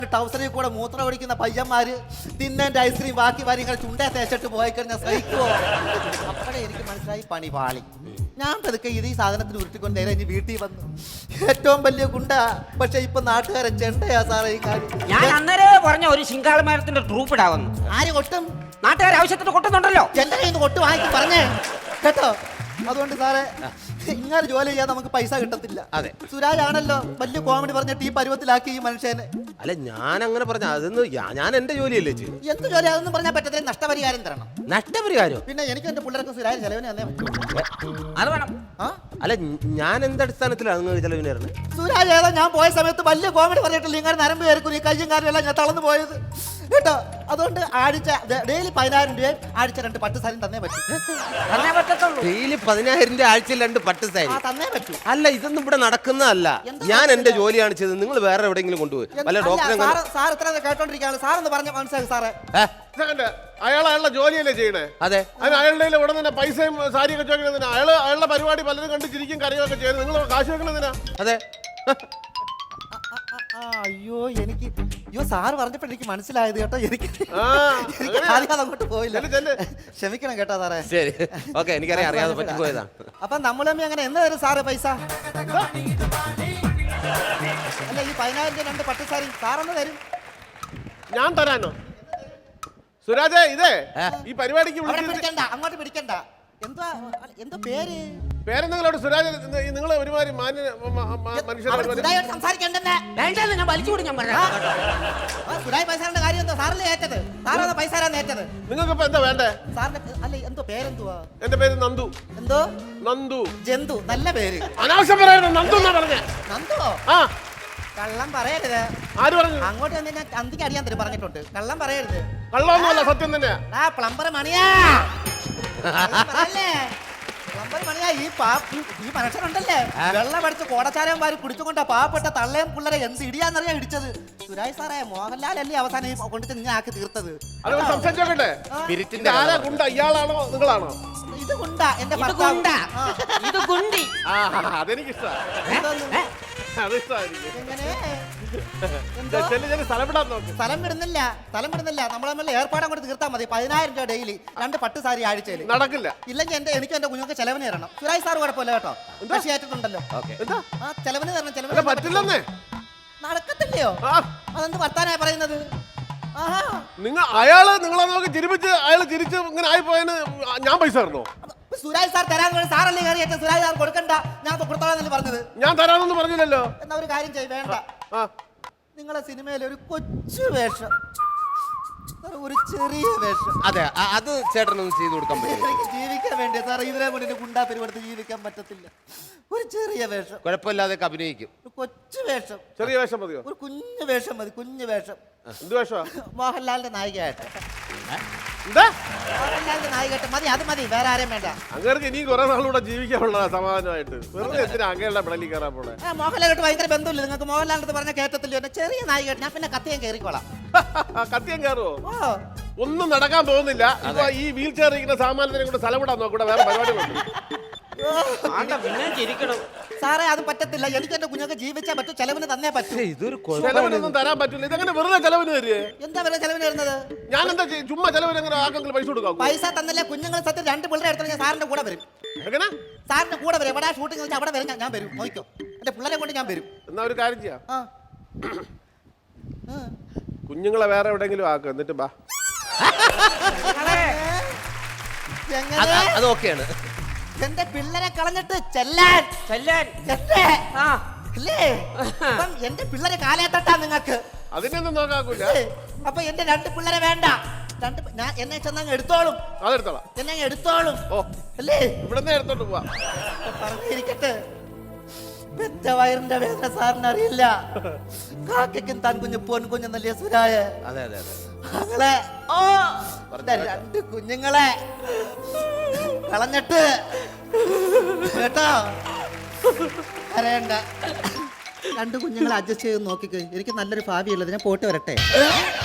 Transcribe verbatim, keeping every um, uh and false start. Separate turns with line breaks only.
ടൗസറിൽ കൂടെ മൂത്രം ഒഴിക്കുന്ന പയ്യന്മാര് തിന്നേന്റെ ഐസ്ക്രീം ബാക്കി വാരി ഇങ്ങനെ ചുണ്ടേ തേച്ചിട്ട് പോയി കഴിഞ്ഞാൽ സഹിക്കുവോ? അപ്പോഴേ എനിക്ക് മനസ്സിലായി പണി പാളി. ഞാൻ പതുക്കെ ഇത് ഈ സാധനത്തിന് ഉരുട്ടിക്കൊണ്ട് നേരെ ഇനി വീട്ടിൽ വന്നു. ഏറ്റവും വലിയ ഗുണ്ട, പക്ഷെ ഇപ്പൊ നാട്ടുകാരെ ചെണ്ടയാ സാറേ ഈ കാര്യം.
ഞാൻ അന്നേരെ പറഞ്ഞ ഒരു ശിങ്കാളമരത്തിന്റെ ട്രൂപ്പ് ഇടാവുന്നു.
ആര് കൊട്ടും?
നാട്ടുകാർ ആവശ്യത്തിന് കൊട്ടുന്നുണ്ടല്ലോ.
എന്റെ കയ്യിൽ നിന്ന് കൊട്ട് വാങ്ങിക്കും പറഞ്ഞേ കേട്ടോ. അതുകൊണ്ട് സാറേ ഇങ്ങനെ ജോലി ചെയ്യാൻ നമുക്ക് പൈസ കിട്ടത്തില്ല.
അതെ,
സുരാജ് ആണല്ലോ വലിയ കോമഡി പറഞ്ഞിട്ട് ഈ പരുവത്തിലാക്കി ഈ മനുഷ്യനെ.
അല്ല ഞാൻ അങ്ങനെ പറഞ്ഞ അതൊന്നും ഞാൻ എന്റെ ജോലിയല്ലേ ചെയ്തു.
എന്ത് ജോലി അതൊന്നും പറഞ്ഞാൽ പറ്റത്തില്ല. നഷ്ടപരിഹാരം തരണം.
നഷ്ടപരിഹാരം?
പിന്നെ എനിക്ക് എന്റെ പിള്ളേർക്ക് സുരാജ് ചെലവിന് തന്നെ
അത് വേണം.
അല്ല ഞാൻ എന്ത് അടിസ്ഥാനത്തിലാണ് നിങ്ങൾ ചെലവിന് തരുന്നത്?
സുരാജ് ഏതാ ഞാൻ പോയ സമയത്ത് വലിയ കോമഡി പറഞ്ഞിട്ടില്ല. ഇങ്ങനെ നരമ്പ് കയറിക്കും ഈ കയ്യും കാര്യം എല്ലാം ഞാൻ തളർന്നു പോയത് കേട്ടോ. അതുകൊണ്ട് ആഴ്ച ഡെയിലി പതിനായിരം രൂപയും ആഴ്ച രണ്ട് പട്ട് സാരി തന്നേ പറ്റും.
തന്നേ പറ്റത്തുള്ളൂ.
ഡെയിലി പതിനായിരം രൂപ ആഴ്ചയിൽ രണ്ട് പട്ട് സാരി
തന്നേ പറ്റൂ.
അല്ല ഇതൊന്നും ഇവിടെ നടക്കുന്നതല്ല. ഞാൻ എന്റെ ജോലിയാണ് ചെയ്തത്. നിങ്ങൾ വേറെ എവിടെയെങ്കിലും കൊണ്ടുപോയി വല്ല ഡോക്ടറെ
സാർ ഇത്ര കേട്ടോണ്ടിരിക്കുകയാണ്. സാർ എന്ന് പറഞ്ഞ മനസ്സിലായി സാറേ.
അയാൾ അയാളുടെ ജോലിയല്ലേ ചെയ്യണേ?
അതെ,
അതിന് അയാളുടെ ഉടനെ തന്നെ പൈസയും സാരിയൊക്കെ ചോദിക്കുന്നതിനാ. അയാള് അയാളുടെ പരിപാടി പലരും കണ്ട് ചിരിക്കും കരയൊക്കെ ചെയ്യുന്നത്. നിങ്ങൾ കാശ് വെക്കണതിനാ?
അതെ.
അയ്യോ എനിക്ക് അയ്യോ സാറ് പറഞ്ഞപ്പോ എനിക്ക് മനസ്സിലായത് കേട്ടോ. എനിക്ക് ആദ്യം അങ്ങോട്ട് പോയില്ല. ക്ഷമിക്കണം കേട്ടോ സാറേ.
ശരി, ഓക്കെ. എനിക്കറിയാം, അറിയാതെ പറ്റിപ്പോയതാ.
അപ്പൊ നമ്മൾ തമ്മിൽ അങ്ങനെ എന്ന് തരും സാറ് പൈസ? അല്ല ഈ പതിനായിരം രൂപ രണ്ട് പട്ട് സാരി സാറൊന്ന് തരും.
ഞാൻ തരാനോ? സുരാജേ ഇതേ ഈ പരിപാടിക്ക്
പിടിക്കണ്ട, അങ്ങോട്ട് പിടിക്കണ്ട. എന്താ എന്തോ പേര്?
പേരെന്തെങ്കിലും സുരാജ്. നിങ്ങൾ ഒരുമാതിരി മാന്യ മനുഷ്യരെ
സംസാരിക്കണ്ടെന്നെ.
ഞാൻ വലിച്ചുകൂടി ഞാൻ പറയാം.
സുരാജ് പൈസയുടെ കാര്യം എന്തോ സാറല്ലേ ഏറ്റത്? സാറാണ് പൈസ ഏറ്റത്.
നിങ്ങൾക്ക് ഇപ്പൊ എന്താ വേണ്ടേ?
സാറിന്റെ അല്ല എന്തോ പേരെന്തുവാ?
എന്റെ പേര് നന്ദു.
എന്തോ?
നന്ദു.
ജന്തു. നല്ല പേര്.
അനാവശ്യം പറയരുത്. നന്ദു എന്നാ പറഞ്ഞേ.
നന്ദുവോ? ആ കള്ളം പറയരുത്.
ആര് പറഞ്ഞു?
അങ്ങോട്ട് വന്ന് ഞാൻ അന്തിക്ക് അടിയാൻ തരും പറഞ്ഞിട്ടുണ്ട്. കള്ളം പറയരുത്.
കള്ളമൊന്നുമല്ല, സത്യം തന്നെയാ.
ആ പ്ലംബർ മണിയാ. പ്ലംബർ മണിയാ. ഈ പാ ഈ മനുഷ്യനുണ്ടല്ലേ വെള്ളം അടിച്ച് കോടച്ചാരം വാരി കുടിച്ചുകൊണ്ടാ പാവപ്പെട്ട തള്ളയും പിള്ളേരെ എന്ത് ഇടിയാന്നറിയാ ഇടിച്ചത്. സുരാജ് സാറേ മോഹൻലാൽ അല്ലേ അവസാനം കൊണ്ടിട്ട് ഞാൻ ആക്കി തീർത്തത്.
അത് സംസാരിച്ചോട്ടെ. ആരാ ഗുണ്ട? ഇയാളാണോ നിങ്ങളാണോ?
ഇത് ഗുണ്ട. എന്റെ
ഇത് ഗുണ്ടി.
അതെനിക്കിഷ്ടമാണ്.
സ്ഥലം വിടുന്നില്ല, സ്ഥലം വിടുന്നില്ല. നമ്മളെ ഏർപ്പാട് അങ്ങോട്ട് തീർത്താൽ മതി. പതിനായിരം രൂപ ഡെയിലി രണ്ട് പട്ട് സാരി ആഴ്ചയിൽ.
നടക്കില്ല.
ഇല്ലെങ്കിൽ എന്റെ എനിക്ക് എന്റെ കുഞ്ഞുങ്ങൾക്ക് ചെലവിന് തരണം. സുരാജ് സാർ കുഴപ്പമില്ല കേട്ടോ. ഏറ്റിട്ടുണ്ടല്ലോ. ആ ചെലവിന് തരണം. ചെലവിന്
പറ്റില്ലെന്നേ.
നടക്കത്തില്ലയോ? അതെന്ത് വർത്താനാ പറയുന്നത്?
നിങ്ങൾ അയാള് നിങ്ങളെ നോക്കി ചിരിപ്പിച്ച് അയാൾ ചിരിച്ച് ഇങ്ങനെ ആയിപ്പോയതിന് ഞാൻ പൈസ തരണോ?
സുരാജ് സാർ തരാൻ സാറല്ലേ കയറിയിട്ട് സുരാജ് സാർ കൊടുക്കണ്ട, ഞാൻ കൊടുത്തോളാന്നല്ലേ പറഞ്ഞത്.
ഞാൻ തരാനൊന്നും പറഞ്ഞില്ലല്ലോ.
എന്നാ ഒരു കാര്യം ചെയ്യ്, വേണ്ട. നിങ്ങളെ സിനിമയിൽ ഒരു കൊച്ചു വേഷം, ഒരു ചെറിയ വേഷം.
അതെ, അത് ചേട്ടനൊന്നും ചെയ്തു കൊടുക്കാൻ പറ്റില്ല.
എനിക്ക് ജീവിക്കാൻ വേണ്ടി സാർ ഇതിനെ മുന്നിൽ ഗുണ്ടാ പരിപാടി ജീവിക്കാൻ പറ്റത്തില്ല. ഒരു ചെറിയ വേഷം
കുഴപ്പമില്ലാതെ അഭിനയിക്കും.
ഒരു കൊച്ചു വേഷം.
ചെറിയ വേഷം മതിയോ?
ഒരു കുഞ്ഞു വേഷം മതി. കുഞ്ഞു വേഷം.
എന്ത് വേഷമാ?
മോഹൻലാലിന്റെ നായികയായിട്ട്.
എന്താ?
മോഹൻലാലിന്റെ നായികയായിട്ട് മതി. അത് മതി, വേറെ ആരെയും വേണ്ട.
അങ്ങനെ ഇനിയും കുറെ നാളുകൂടെ ജീവിക്കാനുള്ളതാ സമാധാനമായിട്ട്. വെറുതെ എന്തിനാ അങ്ങനെയുള്ള പിടലി കയറാൻ പോണേ?
മോഹൻലാലായിട്ട് ഭയങ്കര ബന്ധമില്ല നിങ്ങൾക്ക്. മോഹൻലാലിന്റെ പറഞ്ഞ കേട്ടത്തില്ല. എന്നെ ചെറിയ നായികയായിട്ട് ഞാൻ പിന്നെ കത്തിയാൻ കയറിക്കോളാം.
കത്തിയാൻ കയറുവോ? ഒന്നും നടക്കാൻ പോകുന്നില്ല. ഇപ്പൊ ഈ വീൽ ചെയർ ഇരിക്കുന്ന സാമാന്യത്തിനെ കൂടെ സ്ഥലം വിടാൻ നോക്കൂടെ. വേറെ പരിപാടികളുണ്ട്.
സാറേ അത് പറ്റത്തില്ല. എനിക്ക് എന്റെ കുഞ്ഞൊക്കെ ജീവിച്ചാൽ പറ്റും. ചെലവിന് തന്നേ പറ്റും.
ഇതൊരു
ചെലവിനൊന്നും തരാൻ പറ്റില്ല. ഇതെങ്ങനെ വെറുതെ ചെലവിന് തരുവേ?
എന്താ വെറുതെ ചെലവിന് വരുന്നത്?
ഞാൻ എന്താ ചുമ്മാ ചെലവിന് എങ്ങനെ ആക്കെങ്കിലും പൈസ കൊടുക്കാം?
പൈസ തന്നില്ല. കുഞ്ഞുങ്ങൾ സത്യം രണ്ട് പിള്ളേരെ എടുത്തു ഞാൻ സാറിന്റെ കൂടെ വരും.
എങ്ങനെ?
സാറിന്റെ കൂടെ വരും. എവിടെ ഷൂട്ടിംഗ് വെച്ചാൽ അവിടെ വരും. ഞാൻ വരും. നോക്കിക്കോ, എന്റെ പിള്ളേരെ കൊണ്ട് ഞാൻ വരും.
എന്നാ ഒരു കാര്യം ചെയ്യാം. കുഞ്ഞുങ്ങളെ വേറെ എവിടെയെങ്കിലും ആക്കുക, എന്നിട്ട് ബാ.
അത് ഓക്കെയാണ്.
എന്റെ പിള്ളേരെ കളഞ്ഞിട്ട് ചെല്ലാൻ
ചെല്ലാൻ
അല്ലേ? എന്റെ പിള്ളേരെ കാലേത്തട്ടാ നിങ്ങൾക്ക്.
അതിനൊന്നും നോക്കാക്കൂല.
അപ്പൊ എന്റെ രണ്ട് പിള്ളേരെ വേണ്ട. രണ്ട് ഞാൻ എന്നെ ചെന്നങ്ങ് എടുത്തോളും.
അതെടുത്തോളാം.
എന്നെ എടുത്തോളും.
ഓ
അല്ലേ?
ഇവിടുന്ന് എടുത്തോട്ട് പോവാ.
പറഞ്ഞിരിക്കട്ടെ. പെറ്റ വയറിന്റെ വേദന സാറിന് അറിയില്ല. കാക്കും താൻ കുഞ്ഞു പോൻ കുഞ്ഞെന്നല്ലേ സുരായ.
അതെ അതെ അതെ.
മകളെ ഓ രണ്ട് കുഞ്ഞുങ്ങളെ കളഞ്ഞിട്ട് കേട്ടോ അറിയണ്ട. രണ്ട് കുഞ്ഞുങ്ങളെ അഡ്ജസ്റ്റ് ചെയ്ത് നോക്കിക്കോ. എനിക്ക് നല്ലൊരു ഭാവിയുള്ളത്. ഞാൻ പോയിട്ട് വരട്ടെ.